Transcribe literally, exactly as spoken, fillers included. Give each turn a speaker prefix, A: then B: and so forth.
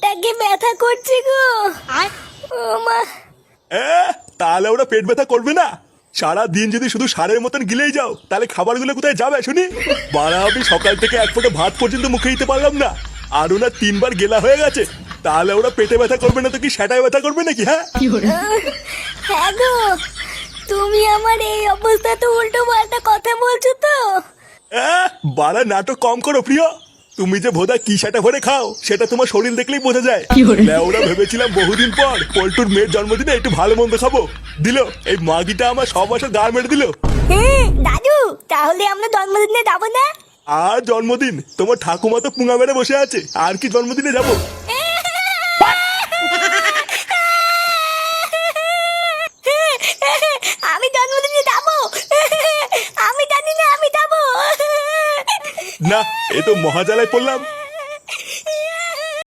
A: ব্যাগে ব্যথা করছে গো। ও মা।
B: তাহলে ওরা পেট ব্যথা করবে না? সারা দিন যদি শুধু সারের মতন গিলেই যাও তাহলে খাবারগুলো কোথায় যাবে শুনি? বাড়া আমি সকাল থেকে এক ফোঁটা ভাত পর্যন্ত মুখে দিতে পারলাম না, আর ওরা তিনবার গেলা হয়ে গেছে। তাহলে ওরা পেটে ব্যথা করবে না তো কি সেটাই ব্যথা করবে নাকি? হ্যাঁ
A: হ্যাঁ গো, তুমি আমার এই অবস্থা তো উল্টো পাল্টা কথা বলছো তো।
B: বাড়া নাটক কম করো প্রিয়। তুমি যে ভোদা কি সেটা ভরে খাও সেটা তোমার শরীর দেখলেই বোঝা যায়। ওরা ভেবেছিলাম বহুদিন পর পল্টুর মেয়ের জন্মদিনে একটু ভালো মন্দ খাবো, দিল এই মাগিটা আমার সব বছর গা মেরে দিল।
A: হ্যাঁ দাদু, তাহলে আমরা জন্মদিনে যাবো না?
B: আর জন্মদিন? তোমার ঠাকুমা তো পুঙা মেরে বসে আছে, আর কি জন্মদিনে যাবো?
A: আমি জন্মদিনে যাবো, আমি জানি না আমি যাবো।
B: না, এ তো মহাজালায় পড়লাম।